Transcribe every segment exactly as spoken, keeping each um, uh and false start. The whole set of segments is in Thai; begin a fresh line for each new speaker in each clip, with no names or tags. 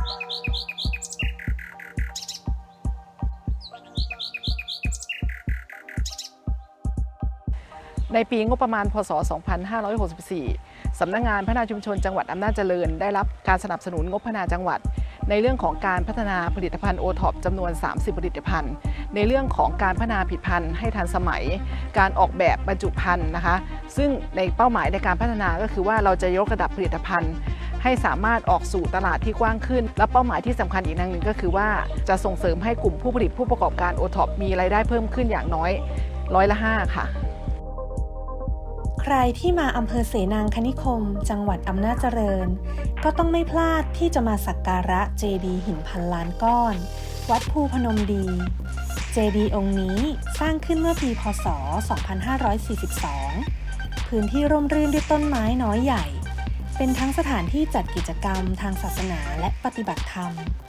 ในปีงบประมาณพ.ศ. สองพันห้าร้อยหกสิบสี่ สำนักงานพัฒนาชุมชนจังหวัดอำนาจเจริญได้รับการสนับสนุนงบพัฒนาจังหวัดในเรื่องของการพัฒนาผลิตภัณฑ์โอท็อปจำนวนสามสิบผลิตภัณฑ์ในเรื่องของการพัฒนาผลิตภัณฑ์ให้ทันสมัยการออกแบบบรรจุภัณฑ์นะคะซึ่งในเป้าหมายในการพัฒนาก็คือว่าเราจะยกระดับผลิตภัณฑ์ให้สามารถออกสู่ตลาดที่กว้างขึ้นและเป้าหมายที่สำคัญอีกอย่างหนึ่งก็คือว่าจะส่งเสริมให้กลุ่มผู้ผลิตผู้ประกอบการโอท็อปมีรายได้เพิ่มขึ้นอย่างน้อยร้อยละห้าค่ะ
ใครที่มาอำเภอเสนางคณิคมจังหวัดอำนาจเจริญก็ต้องไม่พลาดที่จะมาสักการะเจดีย์หินพันล้านก้อนวัดภูพนมดีเจดีย์องค์นี้สร้างขึ้นเมื่อปีพ.ศ. สองพันห้าร้อยสี่สิบสองพื้นที่ร่มรื่นด้วยต้นไม้น้อยใหญ่เป็นทั้งสถานที่จัดกิจกรรมทางศาสนาและปฏิบัติธรรม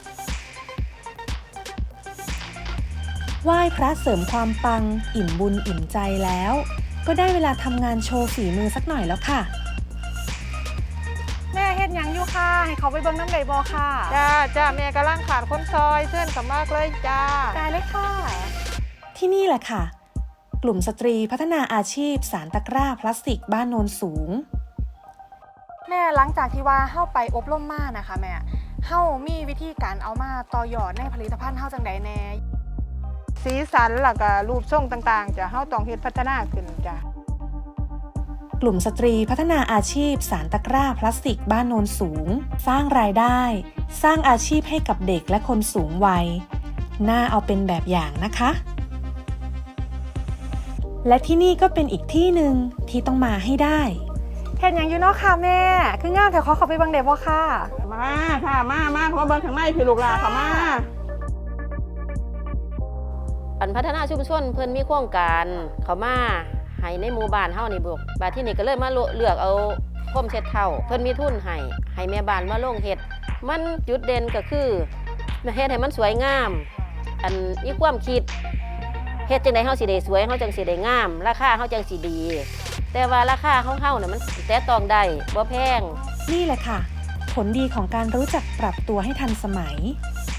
ไหว้พระเสริมความปังอิ่มบุญอิ่มใจแล้วก็ได้เวลาทำงานโชว์ฝีมือสักหน่อยแล้วค่ะ
แม่เฮ็ดหยังอยู่ค่ะให้เขาไปเบิ่งน้ำใดบ่ค่ะ
จ้าจ้าแม่กำลังขาดคนซอยเพื่อนกับมากเลยจ้า
ได้เลยค่ะ
ที่นี่แหละค่ะกลุ่มสตรีพัฒนาอาชีพสารตะกร้าพลาสติกบ้านโนนสูง
แม่หลังจากที่ว่าเฮาไปอบรมมานะคะแม่เฮามีวิธีการเอามาต่อยอดในผลิตภัณฑ์เฮาจังใดแน่
สีสันแล้วก็รูปทรงต่างๆจะเฮาต้องเฮ็ดพัฒนาขึ้นจ้ะ
กลุ่มสตรีพัฒนาอาชีพสารตะกร้าพลาสติกบ้านโนนสูงสร้างรายได้สร้างอาชีพให้กับเด็กและคนสูงวัยน่าเอาเป็นแบบอย่างนะคะและที่นี่ก็เป็นอีกที่หนึ่งที่ต้องมาให้ได้
เฮ็ดหยังอยู่เนาะค่ะแม่คืองามแต่ขอเข้าไปเบิ่งได้บ่ค่ะ
มาค่ะมามาเข้ามาเบิ่งข้างในพี่ลูกหลานเข้ามา
อันพัฒนาชุมชนเพิ่นมีโครงการเขามาให้ในหมู่บ้านเฮานี่บุกบาดที่นี่ก็เลยมาเลือกเอาพรมเช็ดเท้าเพิ่นมีทุนให้ให้แม่บ้านมาลงเฮ็ดมันจุดเด่นก็คือเฮ็ดให้มันสวยงามอันมีความคิดเฮ็ดจังได๋เฮาสิได้สวยเฮาจังสิได้งามราคาเฮาจังสิดีแต่ว่าราคาเฮาๆน่ะมันแต่ต้องได้บ่แพง
นี่แหละค่ะผลดีของการรู้จักปรับตัวให้ทันสมัย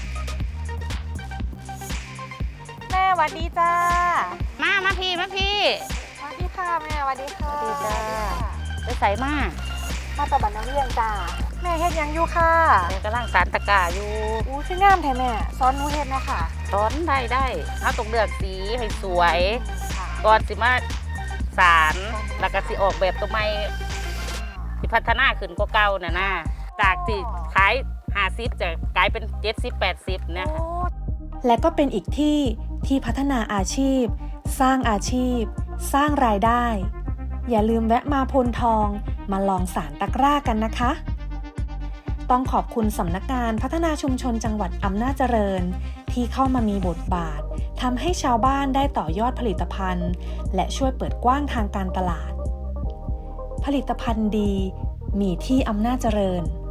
แม่สวัสดีจ้า
มามาพี่มาพี่
สวัสดีค่ะแม่สวัสดีค่ะ
สวัสดีจ้าไปใส่มา
มาตะบันน้ำเลี้ยงจ้าแม่เฮ็ดหยังอยู่ค่ะ
แม่กำลังสานตะกร้าอยู่
อู้คืองามแท้แม่สอนหนูเฮ็ดแม่ค่ะ
สอนได้ได้เฮาต้องเลือกสีให้สวยก่อนสิมาสารแล้วก็สิออกแบบตัวใหม่สิพัฒนาขึ้นกว่าเก่าน่ะนะจากที่ขายห้าสิบจะกลายเป็นเจ็ดสิบ แปดสิบเนี่ย
และก็เป็นอีกที่ที่พัฒนาอาชีพสร้างอาชีพสร้างรายได้อย่าลืมแวะมาพลทองมาลองสารตะกร้ากันนะคะต้องขอบคุณสำนักงานพัฒนาชุมชนจังหวัดอำนาจเจริญที่เข้ามามีบทบาททำให้ชาวบ้านได้ต่อยอดผลิตภัณฑ์และช่วยเปิดกว้างทางการตลาดผลิตภัณฑ์ดีมีที่อำนาจเจริญ